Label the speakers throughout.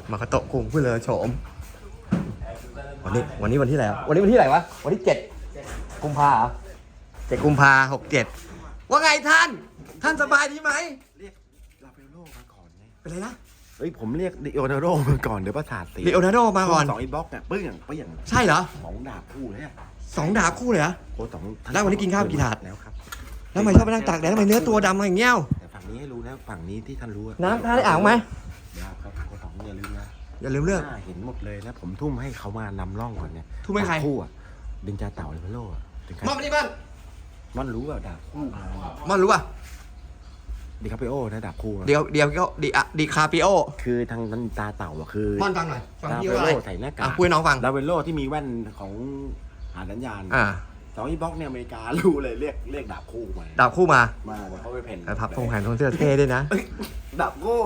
Speaker 1: มาคาโตะคุงผู้เลอโฉมวันนี้วันที่ไหนวันนี้วันที่ไหนวะวันที่7 กุมภา7 กุมภา67ว่าไงท่านสบายดีไหม
Speaker 2: เรียกลาเปโลมาก่อนไง
Speaker 1: เป็นไรนะ
Speaker 2: เฮ้ยผมเรียกดิโอนาร์โดมาก่อนเดี๋ยวประสาทเสีย
Speaker 1: ลีโอนาร์โดมาก่อน
Speaker 2: 2 อินบ็อกซ์เนี่ยเปี้ยง
Speaker 1: ใช่เหรอ
Speaker 2: 2 ดาบคู่เลยอะ
Speaker 1: 2 ดาบคู่เลยเหรอ
Speaker 2: โอ้
Speaker 1: แล้ววันนี้กินข้าวกี่ถาด
Speaker 2: แล้วครับ
Speaker 1: แล้วทำไมชอบไปนั่งตากแดดทำไมเนื้อตัวดำอย่างเงี้ย
Speaker 2: แต่ฝั่งนี้ให้รู้นะฝั่งนี้ที่ท่านรู้
Speaker 1: น้ำท่าได้อ่างไหม
Speaker 2: เดี๋ยวครับโค้ชอย่าลืมนะ
Speaker 1: อย่าลืมเรื่อง
Speaker 2: เห็นหมดเลยนะผมทุ่มให้เขามานำร่องก่อนเนี่ย
Speaker 1: ทุ่มให้ใคร
Speaker 2: คู่อ่ะดินจาเต่าเลยพะโล่
Speaker 1: มอนมาดิ
Speaker 2: มันรู้ว่าดาบคู่
Speaker 1: มอนรู้ป่ะ
Speaker 2: ดิคาปิโอนะดาบคู่
Speaker 1: เดี๋ยวก็ดิคาปิโอ
Speaker 2: คือทางนั้นตาเต่าอ่ะคือ
Speaker 1: มอนฟังหน่อยฟังพี่ว่า
Speaker 2: อะไรใส่หน้ากาก
Speaker 1: พูดน้องฟัง
Speaker 2: ลาเวโลที่มีแว่นของหาสัญญาณ2 อินบ็อกซ์เนี่ยอเมริการู้เลยเรียกดาบคู่มาเขาไปเพ่น
Speaker 1: พับทงแผ่นทงเสื้อเท่ด้วยนะ
Speaker 2: ดาบคู่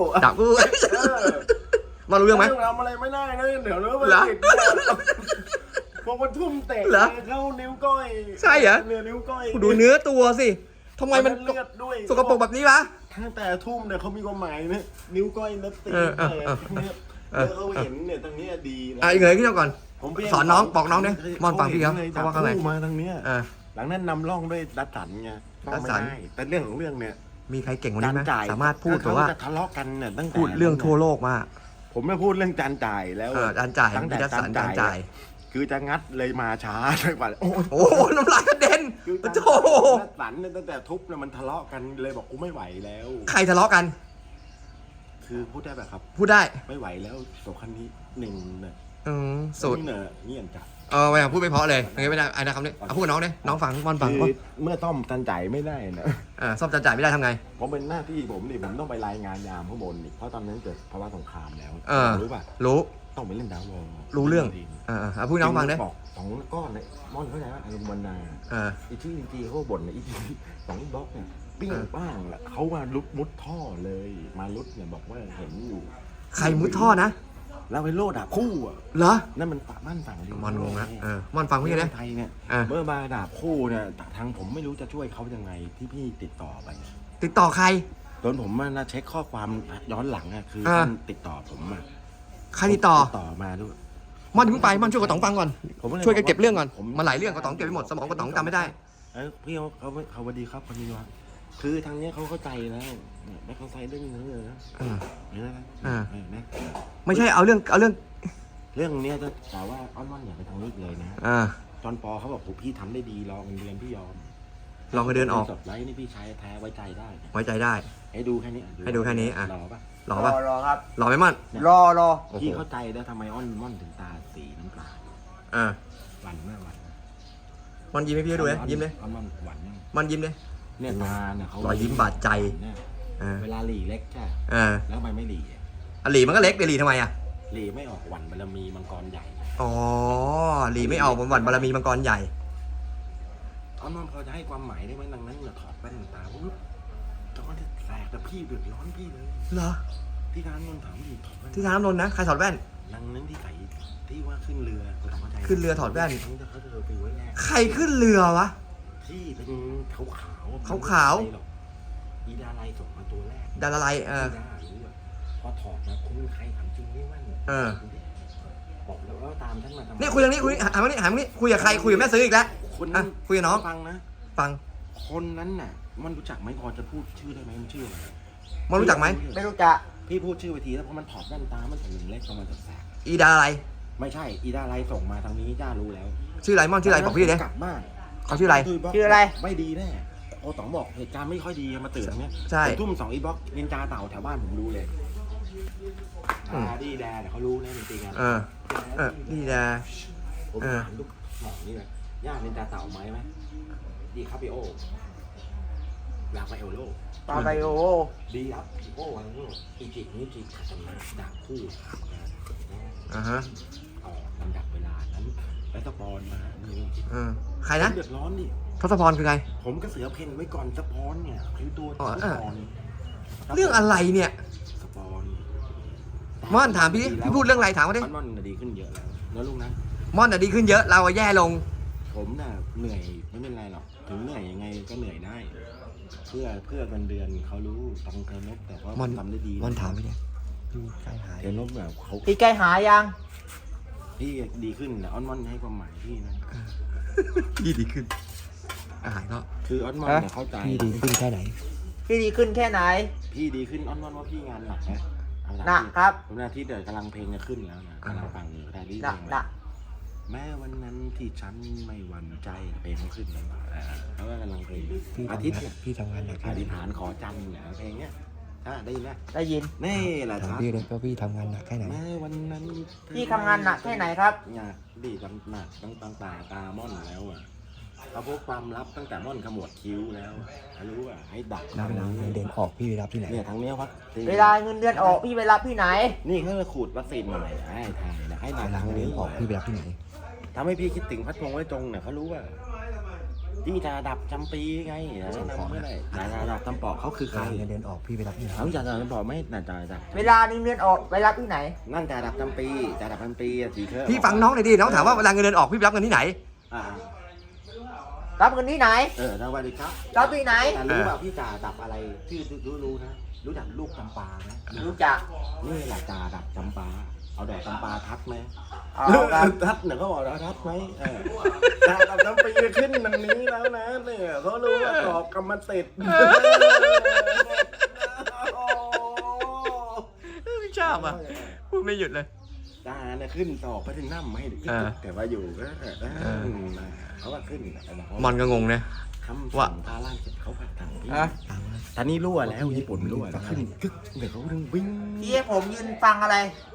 Speaker 1: มารู้เรื่องไหม
Speaker 2: ทำอะไรไม่ได้นะเดี๋ยวเนื้อมันติดพวกมันทุ่มเตะเข้านิ้วก้อย
Speaker 1: ใช่เหรอ
Speaker 2: นิ้วก้อย
Speaker 1: ดูเนื้อตัวสิทำไมมัน
Speaker 2: เลือดด้วย
Speaker 1: สกปรกแบบนี้วะ
Speaker 2: ตั้งแต่ทุ่มเนี่ยเขามีความหมายนะนิ้วก้อยนัดตีเนี่ยเขาเห็นเนี่ยตรงนี้ดีนะ
Speaker 1: อีกเลยพี่เจ้าก่อนสอนน้องบอกน้องเนี่ยมอนฟังพี่เขาว่าอะไร
Speaker 2: มาทางเนี้ยหลังนั้นนำร่องด้วยดัดสันไงดัดสันแต่เรื่องของเรื่องเนี่ย
Speaker 1: มีใครเก่งกว่านี้ไหมสามารถพูดแต่ว่า
Speaker 2: ทะเลาะกันเนี่ยตั้งแต่
Speaker 1: พูดเรื่องทั่วโลกมาก
Speaker 2: ผมไม่พูดเรื่องจานจ่ายแล้ว
Speaker 1: จานจ่ายตั้งแต่จานจ่าย
Speaker 2: คือจะงัดเลยมาช้าไปกว่า
Speaker 1: โอ้น้ำลายกระเด็นโธ่
Speaker 2: สันเนี่ยตั้งแต่ทุบเนี่ยมันทะเลาะกันเลยบอกกูไม่ไหวแล้ว
Speaker 1: ใครทะเลาะกัน
Speaker 2: คือพูดได้แบบครับ
Speaker 1: พูดได้
Speaker 2: ไม่ไหวแล้วโสคันนี้1เนี่ย
Speaker 1: สุด
Speaker 2: เนี่ยเงียบจัด
Speaker 1: ไม่พูดไม่เพราะเลยอย่างนี้ไม่ได้ไอ้นะครับเนี่ยพูดกับน้องเนี่ยน้องฟังมอนฟัง
Speaker 2: เมื่อต้อมจานจ่ายไม่ได้นะ
Speaker 1: ซ่อมจานจ่ายไม่ได้ทำไง
Speaker 2: ผมเป็นหน้าที่ผมนี่ผมต้องไปรายงานยามข้างบนนี่เพราะตอนนั้นเกิดภาวะสงครามแล้วรู้ป่ะ
Speaker 1: รู้
Speaker 2: ต้องไปเล่นดาววอล
Speaker 1: รู้เรื่องพูดน้องฟังเนี่ย
Speaker 2: บอก2 ก้อนเนี่ยม่อนเข้าใจว่าอารมณ์วันนาอีที่จีเขาบ่นอีที่2 บล็อกเนี่ยปิ้งบ้างแหละเขามามุดท่อเลยมาลุดเนี่ยบอกว่าเห็นอยู่
Speaker 1: ใครมุดท่อนะ
Speaker 2: แล้วไปโลดดาบคู่อ่ะ
Speaker 1: เหรอ
Speaker 2: นั่นมันบ้านฝั่ง
Speaker 1: มอนงงนะมอนฟังพี่นะ
Speaker 2: ไทยเนี่ยเมื่อมาดาบคู่เนี่ยทางผมไม่รู้จะช่วยเขายังไงที่พี่ติดต่อไป
Speaker 1: ติดต่อใคร
Speaker 2: ตอนผมมาเช็คข้อความย้อนหลังอ่ะคือท่านติดต่อผมมา
Speaker 1: ใครติดต่อ
Speaker 2: มาด้วย
Speaker 1: มอนเพิ่งไปมอนช่วยกระต๋องฟังก่อนช่วยกันเก็บเรื่องก่อนมาหลายเรื่องกระต๋องเก็บไปหมดสมองกระต๋องจำไม่ได้
Speaker 2: พี่เขาสวัสดีครับคนนี้วะคือทางนี้เขาเข้าใจแล้วไม่เข้าใจเรื่องนี้เลยนะ
Speaker 1: ไม่ใช่เอาเรื่อง
Speaker 2: นี้จะแต่ว่าอ้อนอย่าไปทางนี้เลยนะจอนปอเขาบอกพี่ทำได้ดีรอเงินเดือนพี่ยอม
Speaker 1: รอเงินเดือนออก
Speaker 2: สดไลท์นี่พี่ใช้แท้ไว้ใจได้ให้ดูแค่นี้รอป่ะ
Speaker 1: รอครับรอไหมม่อน
Speaker 2: รอพี่เข้าใจแล้วทำไมม่อนถึงตาสีน้ำตาหวานมาก
Speaker 1: ม่อนยิ้มให้พี่ดูเลยยิ้มเลย
Speaker 2: ม่อนหวานมาก
Speaker 1: ม่อนยิ้มเลย
Speaker 2: เนี่ยตาเนี่ยเขา
Speaker 1: รอยยิ้มบาดใจ
Speaker 2: เวลาหลีเล็กใช่แล้วทำไมไม่หลี
Speaker 1: หลีมันก็เล็กเดี๋ยวหลีทำไม
Speaker 2: หลีไม่ออกหวันบารมีมังกรใหญ่
Speaker 1: หลีไม่ออกหวันบารมีมังกรใหญ่
Speaker 2: น้องเขาจะให้ความหมายได้ไหมดังนั้นเนี่ยถอดแว่นตาปุ๊บจอนจะแสบแต่พี่เดือดร้อนพี่เลย
Speaker 1: เหรอ
Speaker 2: ที่ร้านนนท์ถามพี่ถอดแว่น
Speaker 1: ที่ร้านนนท์นะใครถอดแว่น
Speaker 2: ดังนั้นที่ใส่ที่ว่าขึ้นเรือ
Speaker 1: ขึ้นเรือถอดแว่น
Speaker 2: เขาจะไปไว้แรก
Speaker 1: ใครขึ้นเรือวะ
Speaker 2: ที่เป็นขาวอีดาไลส่งมาตัวแรก
Speaker 1: ดาราไล
Speaker 2: พอถอดมาคุณใครถามจริงไม่มั่นบอกแล้วว่าตามท่านมาทำ
Speaker 1: นี่คุยเรื่องนี้คุยหามานี่คุยกับใครคุยกับแม่ซื้ออีกแล้วคุยกับน้อง
Speaker 2: ฟังนะ
Speaker 1: ฟัง
Speaker 2: คนนั้นน่ะมันรู้จักไหมพอจะพูดชื่อได้ไหมมันชื่ออะไร
Speaker 1: มันรู้จักไหม
Speaker 3: ไม่รู้จัก
Speaker 2: พี่พูดชื่อไปทีแล้วเพราะมันถอดแว่นตามันถึงเล็กประมาณแสบ
Speaker 1: อีดาอะไร
Speaker 2: ไม่ใช่อีดาอะไรส่งมาทางนี้จ้ารู้แล้ว
Speaker 1: ชื่ออะไรม่อนชื่ออะไรบอกพี่ดิ
Speaker 2: กลับบ้าน
Speaker 1: เขาชื่ออะไร
Speaker 2: ไม่ดีแน่โอ้ต๋องบอกเหตุการณ์ไม่ค่อยดีมาตื่นเนี้ยทุ่ม2 อินบ็อกซ์นินจาเต่าแถวบ้านผมรู้เลยดีแดเดี๋ยวเขารู้นะจริงๆ
Speaker 1: ดีแด
Speaker 2: ผมถามลูกหมอนี่เลยย่านินจาเต่าไหมดีครับพี่โอลาไปเอลโลดีครับโอ้วันนี้อีจิกนี่จิกขัดมาดักคู่ลำดับเวลานั้นแล้วสปอนมา
Speaker 1: ใครนะ
Speaker 2: เดือดร้อนดิ
Speaker 1: ทศพรคือไง
Speaker 2: ผมก็เสือเพ่นไว้ก่อนสปอนเนี่ยคือตัวสปอน
Speaker 1: เรื่องอะไรเนี่ย
Speaker 2: สปอน
Speaker 1: ม่อนถามพี่พูดเรื่องอะไรถามมาดิ
Speaker 2: ม่อนดีขึ้นเยอะแล้วลูกนะ
Speaker 1: ม่อนดีขึ้นเยอะเราแย่ลง
Speaker 2: ผมน่ะเหนื่อยไม่เป็นไรหรอกถึงเหนื่อยยังไงก็เหนื่อยได้เพื่อเงินเดือนเขารู้ต้องเคารพแต่ว่า
Speaker 1: ทำได้ดีม่อนถามไปเนี่ยพี่ใกล้หาย
Speaker 2: เดี๋ยวนบแบบเขา
Speaker 3: พี่ใกล้หายยัง
Speaker 2: พี่ดีขึ้นนะออนมอนให้ความหมายพี่นะ
Speaker 1: พี่ดีขึ้นหายก็
Speaker 2: คือออนมอนเนี่ยเข้าใจ
Speaker 1: พี่ดีขึ้นแค่ไหน
Speaker 3: พี่ดีขึ้นแค่ไหน
Speaker 2: พี่ดีขึ้นออนมอนว่าพี่งานหนักนะ
Speaker 3: หนักครับ
Speaker 2: ผมนาที่เดี๋ยวกำลังเพลงจะขึ้นแล้วนะกำลังฟังอยู่ได้ดี
Speaker 3: หนักหนัก
Speaker 2: แม้วันนั้นที่ฉันไม่หวั่นใจเพลงเขาขึ้นแล้วเพราะว่ากำลังเพลง
Speaker 1: พี่
Speaker 2: อา
Speaker 1: ทำ
Speaker 2: ทิตย์
Speaker 1: งาน
Speaker 2: เนี่ย
Speaker 1: พี่ทำงานหนัก
Speaker 2: อธิษฐานขอจันทร์เนี่ยเพลงเนี้ยได้ยินไหม
Speaker 3: ได้ยิน
Speaker 2: นี่แหละ
Speaker 1: ถาม
Speaker 2: ครับ
Speaker 1: พี่เลยว่าพี่ทำงานหนักแค่ไหน
Speaker 2: แม้วันนั้น
Speaker 3: พี่ทำงานหนักแค่ไหนครับ
Speaker 2: หนักดีจำหนักตั้งตาม่อนแล้วอ่ะเขาพบความลับตั้งแต่ม่อนขมวดคิ้วแล้วรู้อ่ะให้ดัก
Speaker 1: แล้วเวลาเงินเดือนออกพี่ไปรับที่ไหน
Speaker 2: เนี่ยทางเนี้ยวัด
Speaker 3: เวลาเงินเดือนออกพี่ไปรับที่ไหน
Speaker 2: นี่เขาจะขูดวัคซีนใหม่ให้ไทยนะให้ดั
Speaker 1: เว
Speaker 2: ก
Speaker 1: ลา
Speaker 2: ทาง
Speaker 1: เงินเดื
Speaker 2: นี้
Speaker 1: อนออกพี่ไปรับที่ไหน
Speaker 2: ทำให้พี่คิดถึงพัดพงษ์ไว้จงเนี่ยเขารู้ว่าพี่จะดับจำปีไงแนะนำเมื่อไหร่จะดับจำปอกเขาคือ
Speaker 1: เว
Speaker 2: ใคร
Speaker 1: ลาเงินเดือนออกพี่ไปรับที่ไหน
Speaker 2: เขาจะดับจำปอกไม่น่าจะดับ
Speaker 3: เวลาเงินเดือนออกไปรับที่ไหน
Speaker 2: นั่นจะดับจำปีจะดับจำปีสีเคอร์
Speaker 1: พี่ฟังน้องหน่อยดิน้องถามว่าเวลาเงินเดือนออกพี่ไปรับเงินที่ไหน
Speaker 2: อ่า
Speaker 3: รับเงินที่ไหน
Speaker 2: สวัสดีครับ
Speaker 3: รับที่ไหน
Speaker 2: แต่รู้ว่าพี่จ่าดับอะไรที่รู้นะรู้จักลูกจำปาไหม
Speaker 3: รู้จัก
Speaker 2: นี่แหละจ่าดับจำปาเอาดอกจำปาทัดไหม
Speaker 3: เอาครับ
Speaker 2: ทัดเนี่ยเขาบอกว่าทัดไหมจ่าดับจำปีขึ้นมันนี้แล้วนะเนี่ยเขารู้ว่าดอกกำมันติด
Speaker 1: ไม่ชอบอ่ะพูดไม่หยุดเลย
Speaker 2: จ่าเนี่ยขึ้นตอกไปถึงน้ำไม่ถึงแต่ว่าอยู่ก็เขาว่าขึ้น
Speaker 1: มอนก็งงนะ
Speaker 2: ทำ
Speaker 1: ว่า
Speaker 2: พาล่างเสร็จเขาผัดถังพี่
Speaker 3: อ่ะ
Speaker 2: ตอนนี้รั่วแล้วญี่ปุ่นรั่วแล้วขึ้นกึกเดี๋ยวเขาดึงวิ่ง
Speaker 3: พี่ให้ผมยืนฟังอะไร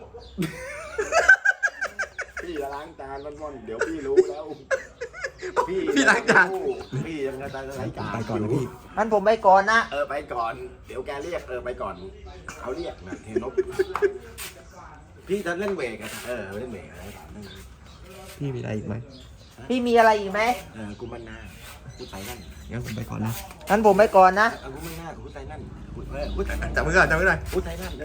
Speaker 2: พี่จะล้างจานม่อนๆเดี๋ยวพี่รู้แล้ว
Speaker 1: พี่ล้างจาน
Speaker 2: พี่ยังจะล้างจาน
Speaker 1: ไปก่อนนะพี่
Speaker 3: งั้นผมไปก่อนนะ
Speaker 2: ไปก่อน เดี๋ยวแกเรียกไปก่อนเขาเรียกนะเทนบพี่จะเล่นเวกอะเล่นเวกอะไร
Speaker 1: พี่มีอะไรอีกไหม
Speaker 3: พี่มีอะไรอีกไหม
Speaker 2: กูมันหน้ากูใส่นั่น
Speaker 1: งั้นผมไปก่อนนะ
Speaker 3: งั้นผมไปก่อนนะ
Speaker 2: กูมันหน้ากูใส่นั่นกูใส่นั่น
Speaker 1: จับมือก่อนจับมือหน่อย
Speaker 2: กูใส่นั่น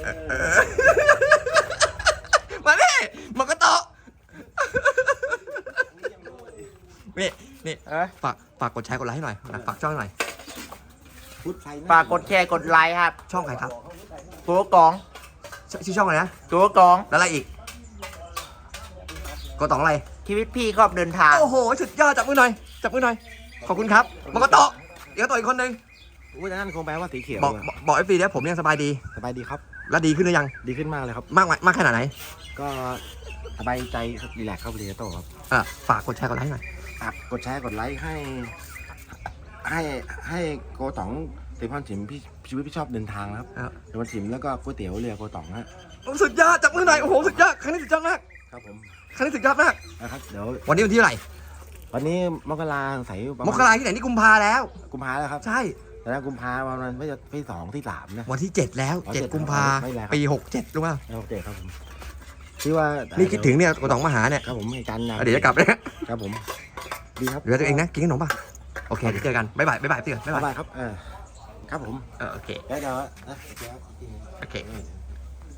Speaker 1: มาดิมันก็โตะนี่นี่
Speaker 3: เอ้ย
Speaker 1: ฝากกดแชร์กดไลค์ให้หน่อยฝากช่องหน่อย
Speaker 3: ฝากกดแชร์กดไลค์ครับ
Speaker 1: ช่องใครครับ
Speaker 3: ตัวกอง
Speaker 1: ชื่อช่องอะไรนะ
Speaker 3: ตัวกอง
Speaker 1: แล้วอะไรอีกกดต่องอะไร
Speaker 3: ชีวิตพี่ครอบเดินทาง
Speaker 1: โอ้โหสุดยอดจับมือหน่อยจับมือหน่อยขอบคุณครับมันก็โตะเดี๋ยวโตะอีกคนนึง
Speaker 2: กูจะนั่นคงแปลว่าสีเขียว
Speaker 1: บอกFPเนี่ยผมยังสบายดี
Speaker 2: สบายดีครับ
Speaker 1: แล้วดีขึ้นหรือยัง
Speaker 2: ดีขึ้นมากเลยครับ
Speaker 1: มากขนาดไหน
Speaker 2: ก็สบายใจรีแลกซ์เข้าไปเลยโตครับ
Speaker 1: ฝากกดแชร์กดไลค์หน่อย
Speaker 2: กดแชร์กดไลค์ให้โกต๋องติพรฉิมพี่ชีวิตพี่ชอบเดินทางนะครับเดินฉิมแล้วก็ก๋วยเตี๋ยวเรือโกต๋องฮะ
Speaker 1: สุดยอดจับมือหน่อยโอ้โหสุดยอดครั้งนี้สุดยอดมาก
Speaker 2: ครับผม
Speaker 1: ครั้งนี้สุดยอดมาก
Speaker 2: นะครับเดี๋ยว
Speaker 1: วันนี้วันที่เท่าไหร่
Speaker 2: วันนี้มกราใส่ประ
Speaker 1: ม
Speaker 2: มาณ
Speaker 1: กราที่ไหนนี่กุมภาแล้ว
Speaker 2: กุมภาแล้วครับ
Speaker 1: ใช่
Speaker 2: แต่แล้วกุมภาประมาณไม่จะที่2ที่3นะ
Speaker 1: วันที่7แล้ว
Speaker 2: อ๋อ
Speaker 1: 7กุมภา
Speaker 2: ไม่แล้วครับ
Speaker 1: ปี67รู้ป่ะ
Speaker 2: โอเคครับผมที่ว่า
Speaker 1: นี่คิดถึงเนี่ยกระตองมาหาเนี่ย
Speaker 2: ครับผมให้กันนะ
Speaker 1: เดี๋ยวจะกลับเลย
Speaker 2: ครับผมดีครับ
Speaker 1: เหลือตัวเองนะกินขนมป่ะโอเคเดี๋ยวเจอกันบ๊ายบายพี่ก่อนบ๊าย
Speaker 2: บ๊า
Speaker 1: บาย
Speaker 2: ยบายครับครับผม
Speaker 1: โอเค
Speaker 2: แล้วเดี๋ยว
Speaker 1: โอเค